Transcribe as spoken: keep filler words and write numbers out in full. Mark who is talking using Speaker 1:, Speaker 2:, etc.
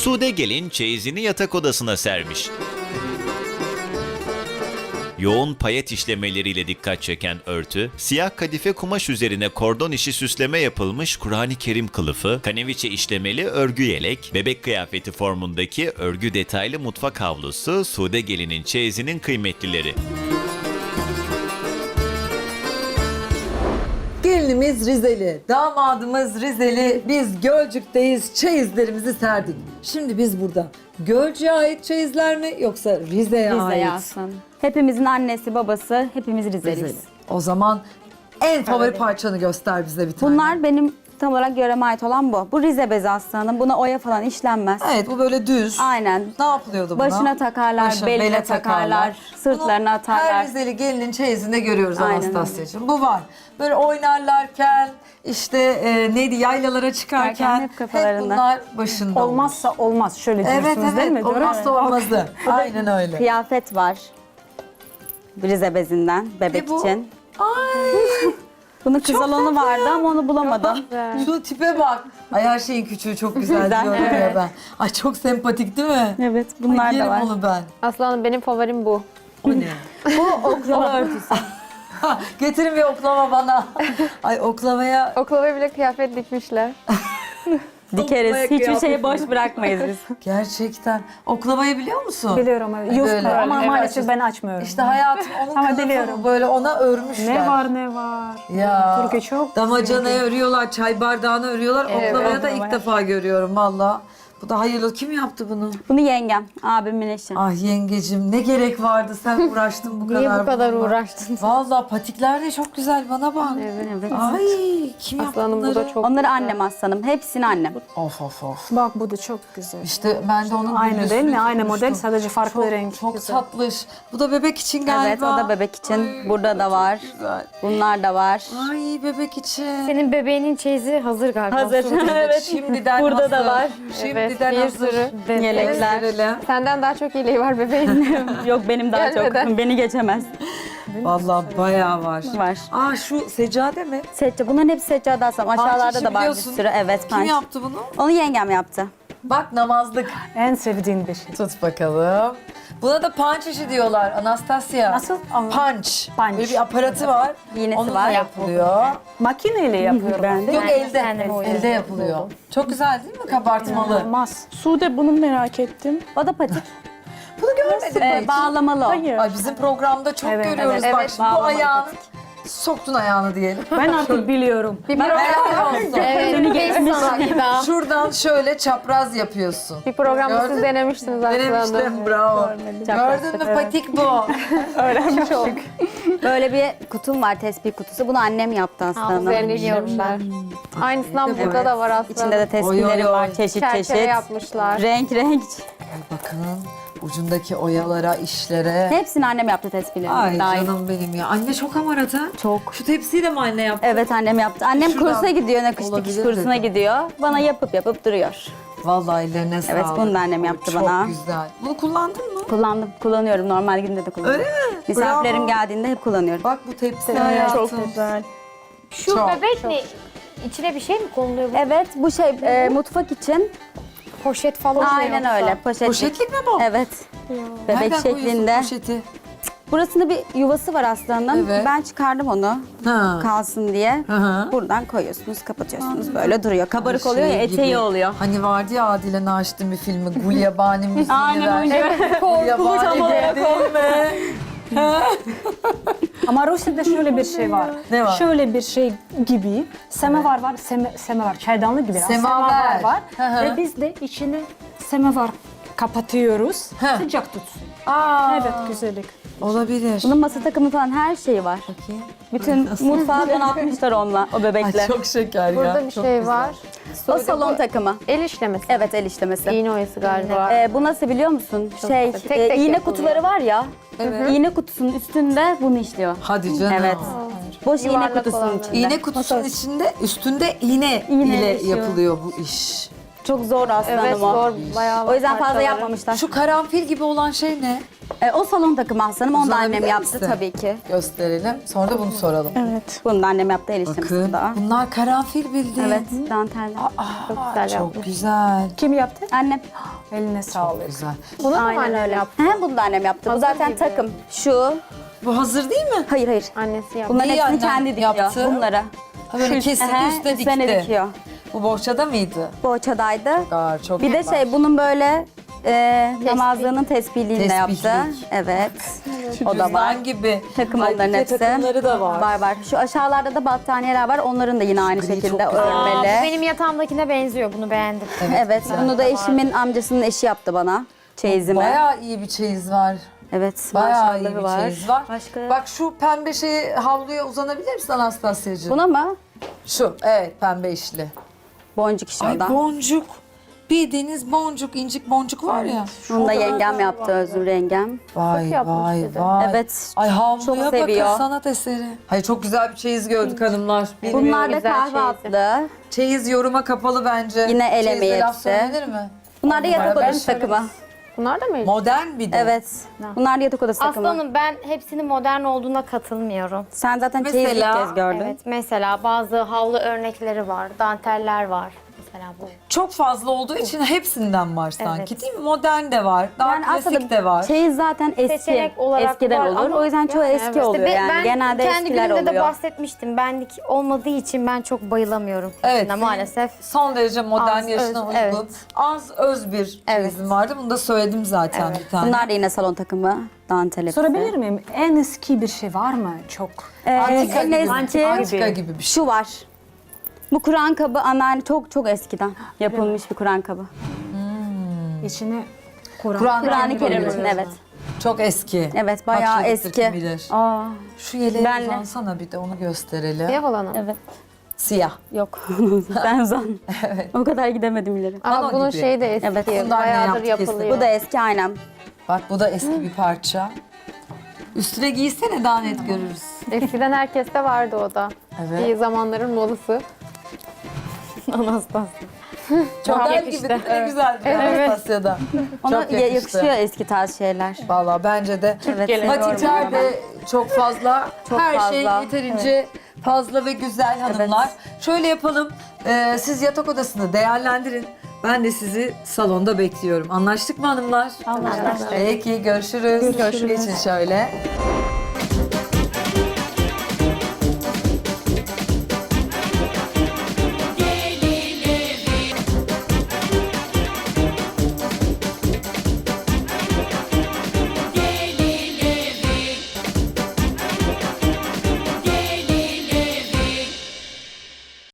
Speaker 1: Sude gelin çeyizini yatak odasına sermiş. Yoğun payet işlemeleriyle dikkat çeken örtü, siyah kadife kumaş üzerine kordon işi süsleme yapılmış Kur'an-ı Kerim kılıfı, kaneviçe işlemeli örgü yelek, bebek kıyafeti formundaki örgü detaylı mutfak havlusu Sude gelinin çeyizinin kıymetlileri.
Speaker 2: Gelinimiz Rizeli, damadımız Rizeli, biz Gölcük'teyiz, çeyizlerimizi serdik. Şimdi biz burada Gölcük'e ait çeyizler mi yoksa Rize'ye ait?
Speaker 3: Rize'ye alsın. Hepimizin annesi, babası, hepimiz Rizeliyiz.
Speaker 2: Rizeli. O zaman en favori
Speaker 3: Evet.
Speaker 2: parçanı göster bize bir tane.
Speaker 3: Bunlar benim tam olarak yöreme ait olan bu. Bu Rize bezi aslanım. Buna oya falan işlenmez.
Speaker 2: Evet, bu böyle düz.
Speaker 3: Aynen.
Speaker 2: Ne yapılıyordu buna?
Speaker 3: Başına takarlar,
Speaker 2: Başına,
Speaker 3: beline
Speaker 2: bele
Speaker 3: takarlar, sırtlarına
Speaker 2: Bunu
Speaker 3: atarlar.
Speaker 2: her Rizeli gelinin çeyizinde görüyoruz
Speaker 3: Aynen
Speaker 2: Anastasya'cığım. Bu var. Böyle oynarlarken, işte e, neydi yaylalara çıkarken
Speaker 3: Çıkarken hep
Speaker 2: hep
Speaker 3: kafalarında.
Speaker 2: bunlar başında.
Speaker 4: Olmazsa olmaz. Şöyle
Speaker 2: Evet
Speaker 4: diyorsunuz değil mi?
Speaker 2: evet,
Speaker 4: Doğru mu?
Speaker 2: olmazsa olmazı. Aynen öyle.
Speaker 3: Kıyafet var. Rize bezinden, bebek
Speaker 2: Ne bu?
Speaker 3: için.
Speaker 2: Ay.
Speaker 3: Bunun kızalonu vardı ama onu bulamadım.
Speaker 2: Şu tipe bak. Ay her şeyin küçüğü çok güzel,
Speaker 3: Güzel,
Speaker 2: diyorum ya
Speaker 3: evet.
Speaker 2: ben. Ay çok sempatik değil mi?
Speaker 3: Evet, bunlar
Speaker 2: Ay,
Speaker 3: da
Speaker 2: yerim
Speaker 3: var.
Speaker 2: onu ben.
Speaker 5: Aslanım benim favorim bu.
Speaker 2: O ne?
Speaker 3: Bu oklava örtüsü.
Speaker 2: Getirin bir oklava bana. Ay oklavaya
Speaker 5: Oklavaya bile kıyafet dikmişler.
Speaker 3: Dikeriz.
Speaker 2: Oklavaya
Speaker 3: Hiçbir
Speaker 2: kıyafet
Speaker 3: şeyi boş bırakmayız biz.
Speaker 2: gerçekten. Oklavayı biliyor musun?
Speaker 4: Biliyorum evet. Yufka
Speaker 2: Böyle.
Speaker 4: ama
Speaker 2: Evet.
Speaker 4: maalesef ben açmıyorum.
Speaker 2: İşte hayatım onun
Speaker 4: Ama
Speaker 2: kılıfını
Speaker 4: biliyorum.
Speaker 2: böyle ona örmüşler.
Speaker 4: Ne var ne var.
Speaker 2: Ya.
Speaker 4: Türkiye çok
Speaker 2: Damacanaya örüyorlar, çay bardağını örüyorlar.
Speaker 5: Evet.
Speaker 2: Oklavaya da ilk
Speaker 4: Oklavaya.
Speaker 2: defa görüyorum valla. Bu da hayırlı. Kim yaptı bunu?
Speaker 3: Bunu yengem, abimin eşi.
Speaker 2: Ah yengecim ne gerek vardı sen uğraştın bu kadar.
Speaker 5: Niye bu kadar
Speaker 2: bununla.
Speaker 5: uğraştın?
Speaker 2: Valla patikler de çok güzel bana bak.
Speaker 5: Evet.
Speaker 3: Evet.
Speaker 2: Ay kim yaptı
Speaker 5: Aslanım bu
Speaker 2: bunları?
Speaker 5: da çok
Speaker 3: Onları
Speaker 5: güzel.
Speaker 3: annem aslanım. Hepsini annem.
Speaker 2: Of of of.
Speaker 4: Bak bu da çok güzel.
Speaker 2: İşte ben de onun
Speaker 4: Aynı
Speaker 2: videosunu
Speaker 4: değil mi? Aynı
Speaker 2: tutmuştum.
Speaker 4: model, sadece farklı
Speaker 2: çok,
Speaker 4: renk.
Speaker 2: Çok
Speaker 4: Güzel.
Speaker 2: tatlış. Bu da bebek için galiba.
Speaker 3: Evet, o da bebek için.
Speaker 2: Ay,
Speaker 3: Burada da var.
Speaker 2: Güzel.
Speaker 3: Bunlar da var.
Speaker 2: Ay bebek için.
Speaker 5: Senin bebeğinin çeyizi hazır galiba.
Speaker 3: Hazır. Evet.
Speaker 2: Şimdiden
Speaker 3: Burada da
Speaker 2: hazır.
Speaker 3: var.
Speaker 2: Şimdiden
Speaker 5: Evet, bir
Speaker 2: hazır.
Speaker 5: sürü.
Speaker 3: Yelekler.
Speaker 2: Gösterelim.
Speaker 5: Senden daha çok iyiliği var bebeğin.
Speaker 3: Yok benim daha
Speaker 5: Gelmeden.
Speaker 3: çok. Beni geçemez.
Speaker 2: Vallahi bayağı var.
Speaker 3: Var.
Speaker 2: Aa şu seccade mi?
Speaker 3: Seccade. Bunların hepsi seccade aslanım. Aşağılarda
Speaker 2: Pançişi
Speaker 3: da var bir
Speaker 2: biliyorsun.
Speaker 3: sürü. Evet,
Speaker 2: Kim
Speaker 3: panç.
Speaker 2: yaptı bunu?
Speaker 3: Onu yengem yaptı.
Speaker 2: Bak namazlık.
Speaker 4: En sevdiğin bir şey.
Speaker 2: Tut bakalım. Buna da punch işi diyorlar Anastasia.
Speaker 4: Nasıl? Ama-
Speaker 2: Punch.
Speaker 4: Punch.
Speaker 2: Böyle bir aparatı var.
Speaker 3: İğnesi
Speaker 2: Onunla
Speaker 3: var.
Speaker 2: yapılıyor.
Speaker 4: Makineyle yapıyorum.
Speaker 3: Ben de.
Speaker 2: Yok
Speaker 5: Ben
Speaker 2: elde.
Speaker 5: kendim oynadım.
Speaker 2: Elde yapılıyor. Çok güzel değil mi kabartmalı?
Speaker 4: Olmaz.
Speaker 6: Sude bunu merak ettim.
Speaker 3: O da patik.
Speaker 2: Bunu görmedim
Speaker 3: Ee,
Speaker 2: hiç.
Speaker 3: bağlamalı o.
Speaker 6: Hayır.
Speaker 2: Ay bizim programda çok
Speaker 4: Evet,
Speaker 2: görüyoruz.
Speaker 5: evet.
Speaker 2: Bak
Speaker 5: Evet,
Speaker 2: şimdi bu
Speaker 3: bağlamalı
Speaker 2: ayağını soktun ayağını diyelim.
Speaker 4: Ben artık biliyorum.
Speaker 5: Bir
Speaker 2: Helal
Speaker 5: program,
Speaker 2: olsun.
Speaker 5: evet,
Speaker 3: Seni
Speaker 5: bir
Speaker 3: geçmiş.
Speaker 5: sana.
Speaker 2: Şuradan şöyle çapraz yapıyorsun.
Speaker 5: Bir programda
Speaker 2: Gördün
Speaker 5: siz
Speaker 2: mü?
Speaker 5: denemiştiniz aslanım.
Speaker 2: Denemiştim bravo. Gördün mü patik bu.
Speaker 6: Öğrenmiş olduk.
Speaker 3: Böyle bir kutum var, tespih kutusu. Bunu annem yaptı aslanım.
Speaker 5: Üzerine giyiyormuşlar. Aynısından
Speaker 2: Evet.
Speaker 5: burada da var aslında.
Speaker 3: İçinde de
Speaker 2: Oy,
Speaker 3: tespihlerim
Speaker 2: oy, oy.
Speaker 3: var, çeşit
Speaker 5: Çerçeve
Speaker 3: çeşit.
Speaker 5: yapmışlar.
Speaker 3: Renk renk.
Speaker 2: Ay bakın ucundaki oyalara, işlere.
Speaker 3: Hepsini annem yaptı tespihlerini.
Speaker 2: Ay
Speaker 3: Dahil.
Speaker 2: canım benim ya. Anne çok hamarat ha.
Speaker 3: Çok.
Speaker 2: Şu tepsiyi de mi anne yaptı?
Speaker 3: Evet annem yaptı. Annem
Speaker 2: Şuradan
Speaker 3: kursa gidiyor, nakış dikiş
Speaker 2: olabilir
Speaker 3: kursuna
Speaker 2: dedim.
Speaker 3: gidiyor. Bana yapıp yapıp duruyor.
Speaker 2: Vallahi ellerine sağlık.
Speaker 3: Evet, bunu da annem yaptı
Speaker 2: çok
Speaker 3: bana.
Speaker 2: Çok güzel. Bunu kullandın mı?
Speaker 3: Kullandım, kullanıyorum. Normal günde de kullanıyorum.
Speaker 2: Öyle mi?
Speaker 3: Misafirlerim
Speaker 2: Bravo.
Speaker 3: geldiğinde hep kullanıyorum.
Speaker 2: Bak bu tepsi hayatım.
Speaker 6: Çok güzel.
Speaker 5: Şu
Speaker 2: Çok,
Speaker 5: bebek ne? İçine bir şey mi konuluyor? Bu?
Speaker 3: Evet, bu şey e, mutfak için.
Speaker 5: Poşet falan mı
Speaker 3: Aynen
Speaker 5: yoksa?
Speaker 3: öyle, poşetlik.
Speaker 2: Poşetlik mi bu?
Speaker 3: Evet. Bebek
Speaker 2: Nereden koyuyorsun
Speaker 3: şeklinde.
Speaker 2: poşeti?
Speaker 3: Burasında bir yuvası var aslanım.
Speaker 2: Evet.
Speaker 3: Ben çıkardım onu
Speaker 2: Ha.
Speaker 3: kalsın diye.
Speaker 2: Hı hı.
Speaker 3: Buradan koyuyorsunuz, kapatıyorsunuz. Böyle duruyor. Kabarık
Speaker 2: Şey
Speaker 3: oluyor ya, eteği
Speaker 2: gibi.
Speaker 3: oluyor.
Speaker 2: Hani vardı ya Adile Naşit'in bir filmi Gulyabani müziğini
Speaker 3: Aynen
Speaker 2: ver.
Speaker 3: öyle.
Speaker 2: Gulyabani
Speaker 3: tam olarak
Speaker 2: değil mi?
Speaker 4: Ama Rusya'da şöyle bir şey var.
Speaker 2: Ne var?
Speaker 4: Şöyle bir şey gibi. Semevar var, seme, semevar. Çaydanlık gibi.
Speaker 2: Semaver.
Speaker 4: var.
Speaker 2: Hı hı.
Speaker 4: Ve biz de içine semevar kapatıyoruz.
Speaker 2: Hı.
Speaker 4: Sıcak tutsun.
Speaker 2: Aa,
Speaker 4: Evet, güzellik.
Speaker 2: olabilir.
Speaker 3: Bunun masa takımı falan her şeyi var.
Speaker 2: Bakayım.
Speaker 3: Bütün mutfağı donatmışlar onunla, o bebekle.
Speaker 2: Ay çok şeker ya.
Speaker 5: Burada bir
Speaker 2: çok
Speaker 5: şey
Speaker 2: güzel.
Speaker 5: var.
Speaker 3: O salon takımı.
Speaker 5: El işlemesi.
Speaker 3: Evet, el işlemesi.
Speaker 5: İğne oyası galiba.
Speaker 3: Ee, bu nasıl biliyor musun? şey,
Speaker 5: güzel. Tek
Speaker 3: e,
Speaker 5: tek
Speaker 3: iğne
Speaker 5: yapılıyor.
Speaker 3: kutuları var ya.
Speaker 2: Evet.
Speaker 3: İğne kutusunun üstünde bunu işliyor.
Speaker 2: Hadi canım.
Speaker 3: Evet. Boş iğne
Speaker 5: Yuvarlak
Speaker 3: kutusunun
Speaker 5: olanları.
Speaker 3: içinde.
Speaker 2: İğne kutusunun içinde, üstünde iğne
Speaker 3: İğne
Speaker 2: ile
Speaker 3: işiyor.
Speaker 2: yapılıyor bu iş.
Speaker 3: Çok zor aslanım
Speaker 5: Evet
Speaker 3: o.
Speaker 5: zor bayağı
Speaker 3: O yüzden fazla
Speaker 5: parçaları.
Speaker 3: yapmamışlar.
Speaker 2: Şu karanfil gibi olan şey ne?
Speaker 3: E, o salon takımı aslanım. Onu da
Speaker 2: Uzanabilir
Speaker 3: annem yaptı
Speaker 2: misin?
Speaker 3: tabii ki.
Speaker 2: Gösterelim. Sonra da bunu soralım.
Speaker 6: Evet.
Speaker 3: Bunu da annem yaptı, el
Speaker 2: Bakın.
Speaker 3: işlemesi daha.
Speaker 2: Bunlar karanfil bildiğin.
Speaker 3: Evet, danteller.
Speaker 5: Çok güzel
Speaker 2: Çok
Speaker 5: yapmış.
Speaker 2: güzel.
Speaker 4: Kim yaptı?
Speaker 3: Annem.
Speaker 4: Eline sağlık.
Speaker 2: Güzel.
Speaker 5: Bunu da mı
Speaker 3: Aynen
Speaker 5: annem
Speaker 3: öyle.
Speaker 5: yaptı?
Speaker 3: He, bunu da annem yaptı. Bu
Speaker 5: Hazır
Speaker 3: zaten
Speaker 5: gibi.
Speaker 3: takım. Şu.
Speaker 2: Bu hazır değil mi?
Speaker 3: Hayır hayır.
Speaker 5: Annesi yaptı.
Speaker 3: Bunların
Speaker 2: Neyi
Speaker 3: hepsini
Speaker 2: annen
Speaker 3: kendi dikiyor.
Speaker 2: yaptı?
Speaker 3: Bunları.
Speaker 2: Ha, böyle kesildi
Speaker 3: Ehe,
Speaker 2: üstüne
Speaker 3: üstlerine
Speaker 2: dikti.
Speaker 3: dikiyor.
Speaker 2: Bu bohçada mıydı?
Speaker 3: Boğaçadaydı.
Speaker 2: Gar, çok
Speaker 3: Bir de
Speaker 2: iyi
Speaker 3: şey
Speaker 2: var.
Speaker 3: bunun böyle e, namazlığının tespihliğini de yaptı.
Speaker 2: Tespihlik.
Speaker 3: Evet. O da var.
Speaker 2: Cüzdan gibi.
Speaker 3: Takım
Speaker 2: Ay,
Speaker 3: onların
Speaker 2: bir de
Speaker 3: hepsi.
Speaker 2: takımları da var.
Speaker 3: Var var. Şu aşağılarda da battaniyeler var. Onların da yine aynı
Speaker 2: gri
Speaker 3: şekilde
Speaker 2: çok güzel.
Speaker 5: Aa, bu
Speaker 3: örmeli.
Speaker 5: benim yatağımdakine benziyor. Bunu beğendim.
Speaker 3: Evet. Bunu da eşimin amcasının eşi yaptı bana. Çeyizimi.
Speaker 2: Bayağı iyi bir çeyiz var.
Speaker 3: Evet.
Speaker 2: Bayağı iyi
Speaker 3: maşallahı
Speaker 2: bir
Speaker 3: var.
Speaker 2: çeyiz var.
Speaker 3: Başka?
Speaker 2: Bak şu pembe şeyi havluya uzanabilir misin Anastasya'cığım?
Speaker 3: Buna mı?
Speaker 2: Şu, evet pembe işli.
Speaker 3: Boncuk işi
Speaker 2: Ay
Speaker 3: o da.
Speaker 2: boncuk. Bildiğiniz boncuk, incik boncuk var ya.
Speaker 3: Bunu da yengem yaptı, Özgür yengem.
Speaker 2: Vay
Speaker 5: yapmış
Speaker 2: vay
Speaker 5: bir de.
Speaker 2: vay.
Speaker 3: Evet.
Speaker 2: Ay havluya
Speaker 3: Çok
Speaker 2: bakın
Speaker 3: seviyor.
Speaker 2: sanat eseri. Hayır çok güzel bir çeyiz gördük hanımlar. Bilmiyorum.
Speaker 3: Bunlar da
Speaker 5: güzel
Speaker 3: kahve
Speaker 5: çeyizi.
Speaker 3: atlı.
Speaker 2: Çeyiz yoruma kapalı bence.
Speaker 3: Yine el
Speaker 2: Çeyizde
Speaker 3: emeği
Speaker 2: laf
Speaker 3: hepsi.
Speaker 2: söylenir mi?
Speaker 3: Bunlar da yatak
Speaker 2: Ben
Speaker 3: odası takımı.
Speaker 5: Bunlar da mı?
Speaker 2: Modern bir de.
Speaker 3: Evet. Bunlar da yatak odası takımı.
Speaker 5: Aslanım ben hepsinin modern olduğuna katılmıyorum.
Speaker 3: Sen zaten
Speaker 2: Mesela-
Speaker 3: çeyiz ilk kez gördün.
Speaker 5: Evet, mesela bazı havlu örnekleri var, danteller var. Mesela bu.
Speaker 2: Çok fazla olduğu için hepsinden var sanki
Speaker 5: Evet.
Speaker 2: değil mi? Modern de var, daha
Speaker 3: Yani
Speaker 2: klasik
Speaker 3: aslında
Speaker 2: de var.
Speaker 3: çeyiz zaten eski.
Speaker 5: Seçenek olarak
Speaker 3: Eskiden
Speaker 5: var
Speaker 3: olur.
Speaker 5: ama
Speaker 3: O yüzden çoğu
Speaker 5: yani
Speaker 3: eski
Speaker 5: evet.
Speaker 3: oluyor
Speaker 5: İşte
Speaker 3: yani.
Speaker 5: ben
Speaker 3: Genelde
Speaker 5: kendi
Speaker 3: eskiler
Speaker 5: günümde de
Speaker 3: oluyor.
Speaker 5: bahsetmiştim. Benlik olmadığı için ben çok bayılamıyorum.
Speaker 2: Evet,
Speaker 5: hepsine
Speaker 2: senin
Speaker 5: maalesef.
Speaker 2: Son derece modern
Speaker 5: Az,
Speaker 2: yaşına
Speaker 5: öz,
Speaker 2: uygun.
Speaker 5: evet.
Speaker 2: Az öz bir
Speaker 3: Evet.
Speaker 2: çeyizim vardı. Bunu da söyledim zaten
Speaker 5: Evet.
Speaker 2: bir tane.
Speaker 3: Bunlar da yine salon takımı. Dantel hepsi.
Speaker 4: Sorabilir miyim? En eski bir şey var mı? Çok.
Speaker 3: Ee,
Speaker 2: Antika
Speaker 3: en
Speaker 2: gibi,
Speaker 3: eski
Speaker 2: antika gibi bir şey.
Speaker 3: şu var. Bu Kur'an kabı anneanne çok çok eskiden yapılmış bir Kur'an kabı.
Speaker 4: İçine Kur'an.
Speaker 2: Kur'an-ı
Speaker 3: Kur'an-ı
Speaker 2: Kerim
Speaker 3: Kerim
Speaker 2: var.
Speaker 3: için evet.
Speaker 2: Çok eski.
Speaker 3: Evet bayağı
Speaker 2: Kaç yıllıktır
Speaker 3: eski.
Speaker 2: kim bilir.
Speaker 3: Aa,
Speaker 2: Şu yeleğe
Speaker 3: Benle.
Speaker 2: uzansana bir de onu gösterelim.
Speaker 5: Siyah olanı.
Speaker 3: evet.
Speaker 2: Siyah.
Speaker 3: Yok. Ben zan. O kadar gidemedim ileri.
Speaker 5: Ama
Speaker 2: Pano
Speaker 5: bunun
Speaker 2: gibi.
Speaker 5: şeyi de eski.
Speaker 3: Evet.
Speaker 2: Bunlar ne
Speaker 5: Bayağıdır
Speaker 2: yaptı kesin?
Speaker 5: yapılıyor.
Speaker 3: Bu da eski aynen.
Speaker 2: Bak bu da eski bir parça. Üstüne giysene daha net görürüz.
Speaker 7: Eskiden herkeste vardı o da.
Speaker 2: Evet.
Speaker 7: Bir zamanların modası. Anastasya.
Speaker 2: Çok
Speaker 7: Çok
Speaker 2: Model
Speaker 7: yakıştı.
Speaker 2: gibi değil mi? Ne güzel bir Anastasya'da.
Speaker 3: Ona
Speaker 2: Çok
Speaker 3: ya-
Speaker 2: yakıştı.
Speaker 3: yakışıyor eski tarz şeyler.
Speaker 2: Valla bence de.
Speaker 3: Evet.
Speaker 2: Patikler
Speaker 3: seviyorum
Speaker 2: de çok fazla.
Speaker 3: Çok
Speaker 2: Her
Speaker 3: fazla.
Speaker 2: şey yeterince fazla ve güzel hanımlar. Şöyle yapalım. Ee, siz yatak odasını değerlendirin. Ben de sizi salonda bekliyorum. Anlaştık mı hanımlar?
Speaker 3: Anlaştık.
Speaker 2: Peki görüşürüz. Görüşürüz. Geçin şöyle.